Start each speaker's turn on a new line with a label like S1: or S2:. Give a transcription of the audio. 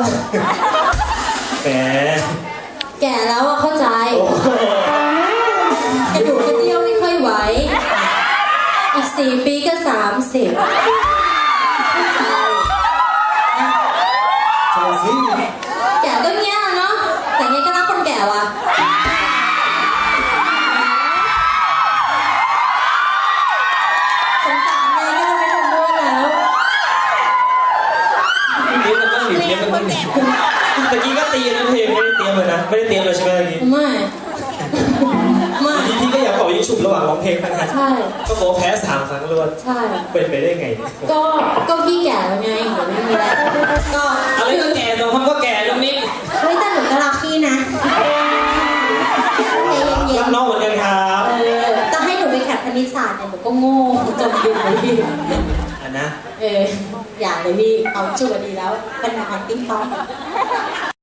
S1: แหม
S2: แก่แล้วอะเข้าใจกระดูกกระเดี่ยวไม่ค่อยไหวอีก4 ปีก็30
S1: ใช่สิ
S2: แก่ก็เงี้ยเนาะแต่เงี้ยก็รักคนแก่ว่ะสงสารเลยก็จะไม่ทำด้วยแล้ว
S1: เลี้ยงกันบ้างดิเลี้ยงกันบ้างดิตะกี้ก็ตีนะเพลงไม่ได้เตรียมเลยนะไม่ได้เตรียมเลยใช่ไหมตะกี้
S2: ไม่ไม่
S1: พี่ก็อยากบอกยิ่งฉุบระหว่างร้องเพลงนะฮะ
S2: ใช่
S1: ก็โกแพ้3 ครั้งรวด
S2: ใช่
S1: เป็นไปได้ไงเนี่ย
S2: ก็พี่แก่แล้วไงเดี๋ยวไม่มีแล้วก็
S1: อะไรก็แก่ตรงคำก็แก่ตรงนี้
S2: เฮ้ยแต่หนูก็รักพี่นะใจเย็
S1: รั
S2: น
S1: กน้องเหมือนกันครับ
S2: ๆจะให้หนูไปแข่งคณิตศาสตร์เนี่ยหนูก็โง่จมดินเลยพี่
S1: อันนะ
S2: อย่าเลยพี่เอาชัวร์ดีแล้วเป็นหนังติ๊งต๊อก